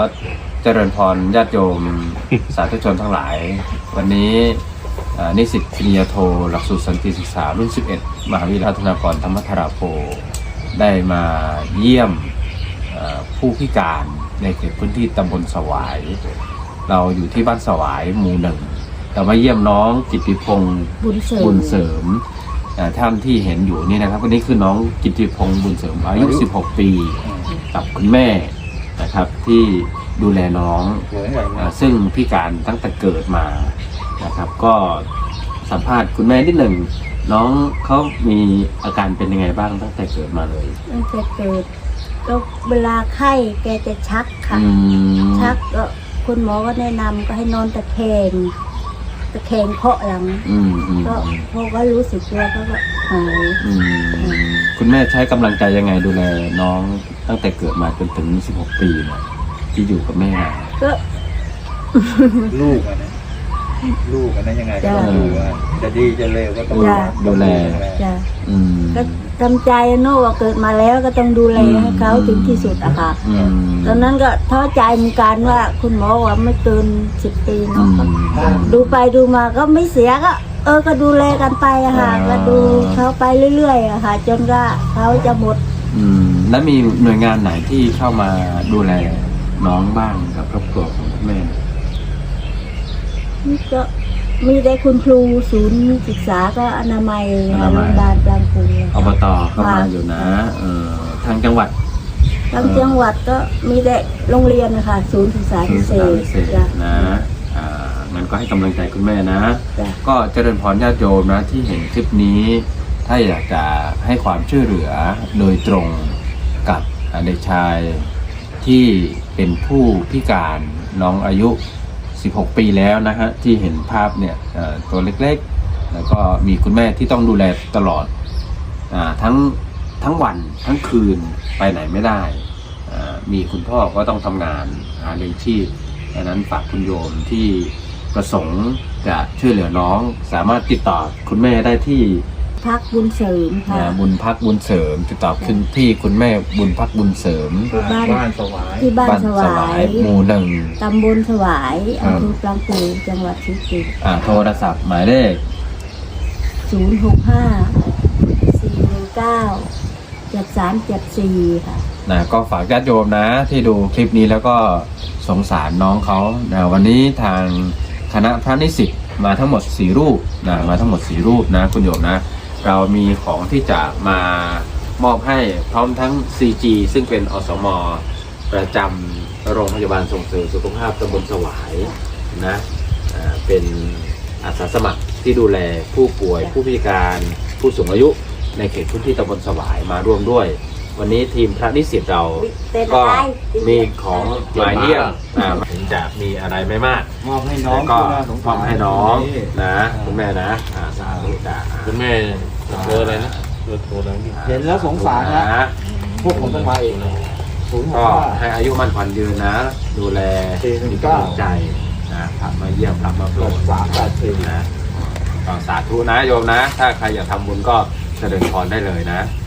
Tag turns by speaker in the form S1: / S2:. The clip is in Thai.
S1: เจริญพรญาติโยม สาธุชนทั้งหลายวันนี้นิสิตปริญญาโทหลักสูตรสันติศึกษารุ่น 11 มหาวิทยาลัยธนากรธรรมธราโพได้มาเยี่ยมผู้พิการในเขตพื้นที่ตำบลสวายเราอยู่ที่บ้านสวายหมู่ 1เรามาเยี่ยมน้องกิตติพงศ์บุญเสริมท่านที่เห็นอยู่นี่นะครับวันนี้คือน้องกิตติพงศ์บุญเสริมอายุ 16 ปีกับคุณแม่นะครับที่ดูแลน้องซึ่งพิการตั้งแต่เกิดมานะครับก็สัมภาษณ์คุณแม่นิดหนึ่งน้องเขามีอาการเป็นยังไงบ้างตั้งแต่เกิดมาเลย
S2: ตั้งแต่เกิดก็เวลาไข้แกจะชักค่ะชักก็คุณหมอก็แนะนำก็ให้นอนตะแคงเพาะหลังก็พอก็รู้สึกตัวก็หาย
S1: คุณแม่ใช้กำลังใจยังไงดูแลน้องตั้งแต่เกิดมาจนถึง16 ปีเนี่ยที่อยู่กับแม่
S2: ก็
S3: ลูกนะยังไงก็ต้องดูจะดีจะเลวก็ต้อง
S1: ดูแล
S2: ก็จำใจโน่ว่าเกิดมาแล้วก็ต้องดูแลให้เขาถึงที่สุดอะค่ะตอนนั้นก็ท้อใจเหมือนกันว่าคุณหมอว่าไม่เกิน10 ปีเนาะดูไปดูมาก็ไม่เสียก็ดูแลกันไปอะค่ะก็ดูเขาไปเรื่อยๆอะค่ะจนก็เขาจะหมด
S1: แล้วมีหน่วยงานไหนที่เข้ามาดูแลน้องบ้างกับครอบครัวของแม่
S2: ก็มีได้คุณครูศูนย์ศึกษาก็อนามัยโรงพยาบาลกลางกรุง
S1: อบตเข้ามาอยู่นะทางจังหวัด
S2: ก็มีได้โรงเรียนนะคะศูนย์ศึกษาพิเศษ
S1: นะงั้นก็ให้กำลังใจคุณแม่นะก็เจริญพรญาติโยมนะที่เห็นคลิปนี้ถ้าอยากจะให้ความช่วยเหลือโดยตรงกับเด็กชายที่เป็นผู้พิการน้องอายุ16 ปีแล้วนะฮะที่เห็นภาพเนี่ยตัวเล็กๆแล้วก็มีคุณแม่ที่ต้องดูแลตลอดทั้งวันทั้งคืนไปไหนไม่ได้มีคุณพ่อก็ต้องทำงานหาเลี้ยงชีพดังนั้นฝากคุณโยมที่ประสงค์จะช่วยเหลือน้องสามารถติดต่อคุณแม่ได้ที่
S2: พักบุญเสริมค่ะ
S1: บุญพักบุญเสริมติดต่อขึ้นที่คุณแม่บุญพักบุญเสริม
S3: บ้านสวาย
S2: ที่บ้านสวาย
S1: หมู่ 1ต
S2: ำบลสวายอำเภอปรางกูจังหวัดศรีสะเกษ
S1: โทรศัพท์หมายเลข
S2: 065-419-7374ค่ะ
S1: ก็ฝากญาติโยมนะที่ดูคลิปนี้แล้วก็สงสารน้องเขาวันนี้ทางคณะพระนิสิตมาทั้งหมด4 รูปมาทั้งหมด4 รูปนะคุณโยมนะเรามีของที่จะมามอบให้พร้อมทั้ง CG ซึ่งเป็นอสม.ประจำโรงพยาบาลส่งเสริมสุขภาพตำบลสวายนะเป็นอาสาสมัครที่ดูแลผู้ป่วยผู้พิการผู้สูงอายุในเขตพื้นที่ตำบลสวายมาร่วมด้วยวันนี้ทีมพระนิสิตเราก็มีของมาเยี่ยมถึงจะมีอะไรไม่มาก
S3: มอบให้น้อง
S1: ก็มอบให้น้องนะคุณแม่นะสาธุจ้า
S4: คุณแม่เจออะไรนะโทรอะไรนี่
S3: เห็นแล้วสงสารนะพวกผมต้องมาเอง
S1: ก็ให้อายุมั่นขวัญยืนนะดูแลมีกำลังใจนะพามาเยี่ยมพามาโปรดนะสาธุนะโยมนะถ้าใครอยากทำบุญก็เจริญพรได้เลยนะ